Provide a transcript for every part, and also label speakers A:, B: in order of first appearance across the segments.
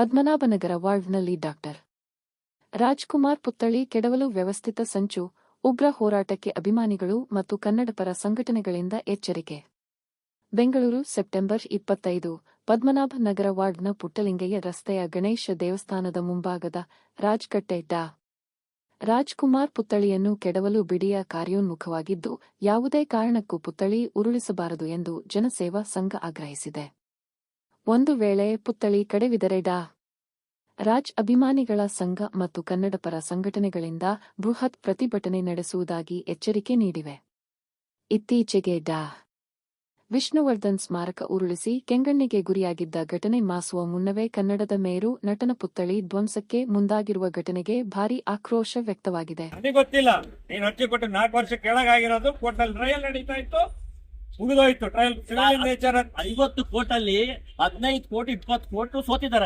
A: ಪದ್ಮನಾಭನಗರ ವಾರ್ಡ್ನಲ್ಲಿ ಡಾಕ್ಟರ್ ರಾಜ್ಕುಮಾರ್ ಪುತ್ಥಳಿ ಕೆಡವಲು ವ್ಯವಸ್ಥಿತ ಸಂಚು, ಉಗ್ರ ಹೋರಾಟಕ್ಕೆ ಅಭಿಮಾನಿಗಳು ಮತ್ತು ಕನ್ನಡಪರ ಸಂಘಟನೆಗಳಿಂದ ಎಚ್ಚರಿಕೆ. ಬೆಂಗಳೂರು ಸೆಪ್ಟೆಂಬರ್ 25 ಪದ್ಮನಾಭನಗರ ವಾರ್ಡ್ನ ಪುಟ್ಟಲಿಂಗಯ್ಯ ರಸ್ತೆಯ ಗಣೇಶ ದೇವಸ್ಥಾನದ ಮುಂಭಾಗದ ರಾಜ್ಕಟ್ಟೆ ಡಾ. ರಾಜ್ಕುಮಾರ್ ಪುತ್ಥಳಿಯನ್ನು ಕೆಡವಲು ಬಿಡಿಯ ಕಾರ್ಯೋನ್ಮುಖವಾಗಿದ್ದು, ಯಾವುದೇ ಕಾರಣಕ್ಕೂ ಪುತ್ಥಳಿ ಉರುಳಿಸಬಾರದು ಎಂದು ಜನಸೇವಾ ಸಂಘ ಆಗ್ರಹಿಸಿದೆ. ಒಂದು ವೇಳೆ ಪುತ್ಥಳಿ ಕೆಡವಿದರೆ ಡಾ. ರಾಜ್ ಅಭಿಮಾನಿಗಳ ಸಂಘ ಮತ್ತು ಕನ್ನಡಪರ ಸಂಘಟನೆಗಳಿಂದ ಬೃಹತ್ ಪ್ರತಿಭಟನೆ ನಡೆಸುವುದಾಗಿ ಎಚ್ಚರಿಕೆ ನೀಡಿವೆ. ಇತ್ತೀಚೆಗೆ ಡಾ. ವಿಷ್ಣುವರ್ಧನ್ ಸ್ಮಾರಕ ಉರುಳಿಸಿ ಕೆಂಗಣ್ಣಿಗೆ ಗುರಿಯಾಗಿದ್ದ ಘಟನೆ ಮಾಸುವ ಮುನ್ನವೇ ಕನ್ನಡದ ಮೇರು ನಟನ ಪುತ್ಥಳಿ ಧ್ವಂಸಕ್ಕೆ ಮುಂದಾಗಿರುವ ಘಟನೆಗೆ ಭಾರೀ ಆಕ್ರೋಶ ವ್ಯಕ್ತವಾಗಿದೆ.
B: ಗೊತ್ತಿಲ್ಲ, ನೀನು ಅರ್ಜಿ ಕೊಟ್ಟು 4 ವರ್ಷ ಕೆಳಗಾಗಿರೋದು ಕೋರ್ಟಲ್ಲಿ ಟ್ರಯಲ್ ನಡೀತಾ ಇತ್ತು, ಮುಗಿದೋಯ್ತು ಟ್ರಯಲ್.
C: 50 ಕೋಟಲ್ಲಿ 15 ಕೋಟಿ 20 ಕೋಟಿ ಸೋತಿದ್ದಾರೆ.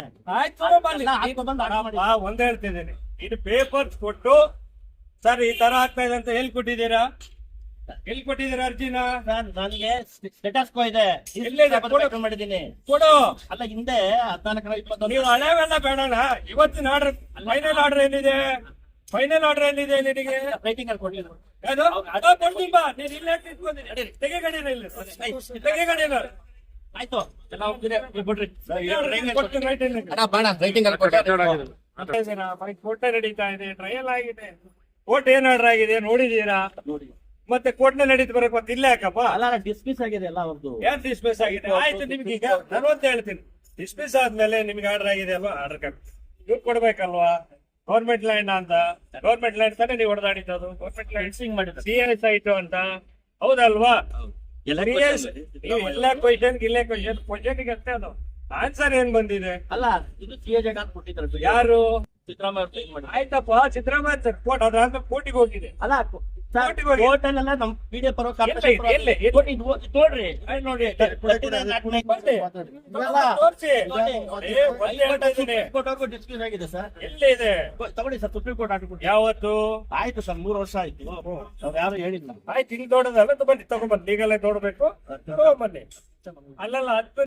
B: ಒಂದ್ ಹೇಳ್ತಿದ್ದೀನಿ, ಇದು ಪೇಪರ್ಸ್ ಕೊಟ್ಟು ಸರ್ ಈ ತರ ಆಗ್ತಾ ಇದೆ ಅಂತ ಎಲ್ಲಿ ಕೊಟ್ಟಿದ್ದೀರಾ ಅರ್ಜಿನ?
C: ನನಗೆ ಸ್ಟೇಟಸ್ ಕೋ ಇದೆ, ಮಾಡಿದ್ದೀನಿ
B: ಕೊಡು.
C: ಅಲ್ಲ ಹಿಂದೆ 14
B: ನೀವು ಹಳೆವೆಲ್ಲ ಬೇಡಣ. ಇವತ್ತಿನ ಆರ್ಡರ್ ಫೈನಲ್ ಆರ್ಡರ್ ಏನಿದೆ? ಫೈನಲ್ ಆರ್ಡರ್ ಏನಿದೆ ನಿನಗೆ?
C: ರೈಟಿಂಗ್ ಅಲ್ಲಿ ಕೊಡ್ಲಿಲ್ಲ.
B: ನೀನ್ ಇಲ್ಲೇ ತೆಗೆಗಡಿನ
C: ಆಯ್ತು
B: ಕೋರ್ಟ್ ನಡೀತಾ ಇದೆ, ಟ್ರಯಲ್ ಆಗಿದೆ. ಕೋರ್ಟ್ ಏನ್ ಆರ್ಡರ್ ಆಗಿದೆ ನೋಡಿದೀರಾ? ಮತ್ತೆ ಕೋರ್ಟ್ ನಲ್ಲಿ ನಡೀತು ಬರಕ್ ಮತ್ತೆ ಇಲ್ಲೇ ಯಾಕಪ್ಪ?
C: ಅಲ್ಲ ಡಿಸ್ಮಿಸ್ ಆಗಿದೆ ಎಲ್ಲ ಅವ್ರದ್ದು.
B: ಯಾರು ಡಿಸ್ಮಿಸ್ ಆಗಿದೆ? ಆಯ್ತು, ನಿಮ್ಗೆ ಈಗ ನಾನು ಅಂತ ಹೇಳ್ತೀನಿ, ಡಿಸ್ಮಿಸ್ ಆದ್ಮೇಲೆ ನಿಮ್ಗೆ ಆರ್ಡರ್ ಆಗಿದೆ ಅಲ್ವಾ? ಆರ್ಡರ್ ಕಾರ್ಡ್ ಇವ್ರು ಕೊಡ್ಬೇಕಲ್ವಾ? ಗೌರ್ಮೆಂಟ್ ಲ್ಯಾಂಡ್ ಅಂತ, ಗೌರ್ಮೆಂಟ್ ಲ್ಯಾಂಡ್ ತಾನೇ ನೀವು ಹೊಡೆದಾಡಿದ್ದು. ಗೌರ್ಮೆಂಟ್ ಲ್ಯಾಂಡ್ ಮಾಡಿದ್ದು CS ಆಯ್ತು ಅಂತ, ಹೌದಲ್ವಾ? ಎಲ್ಲ ಕ್ವಶನ್ ಇಲ್ಲೇ ಕ್ವಶನ್ಗೆ ಅಷ್ಟೇ ಅದು ಆನ್ಸರ್ ಏನ್ ಬಂದಿದೆ.
C: ಅಲ್ಲ ಇದು CAJ ಕೊಟ್ಟಿದ್ರು
B: ಯಾರು?
C: ಸಿದ್ದರಾಮಯ್ಯ.
B: ಆಯ್ತಪ್ಪ, ಸಿದ್ದರಾಮಯ್ಯ ಸರ್ ಕೋರ್ಟ್ ಅದಾದ್ಮೇಲೆ ಕೋರ್ಟಿಗೆ ಹೋಗಿದೆ.
C: ಅಲ್ಲ ಕೋರ್ಟಲ್ಲೆಲ್ಲ ನಮ್ PDF ನೋಡ್ರಿ ನೋಡಿ ಡಿಸ್ಮಿಸ್ ಆಗಿದೆ ಸರ್.
B: ಎಲ್ಲಿ ಇದೆ?
C: ತಗೊಳ್ಳಿ ಸರ್, ಸುಪ್ರೀಂ ಕೋರ್ಟ್ ಆರ್ಡರ್.
B: ಯಾವತ್ತು
C: ಆಯ್ತು ಸರ್, 3 ವರ್ಷ ಆಯ್ತು. ಅವ್ರು ಯಾರು ಹೇಳಿಲ್ಲ.
B: ಆಯ್ತು, ಹಿಂಗ್ ನೋಡೋದಲ್ಲ, ಬನ್ನಿ ತಗೊಂಡ್ಬನ್ನಿ, ಈಗಲೇ ನೋಡ್ಬೇಕು, ತಗೊಂಡ್ಬನ್ನಿ. ಅಲ್ಲಲ್ಲ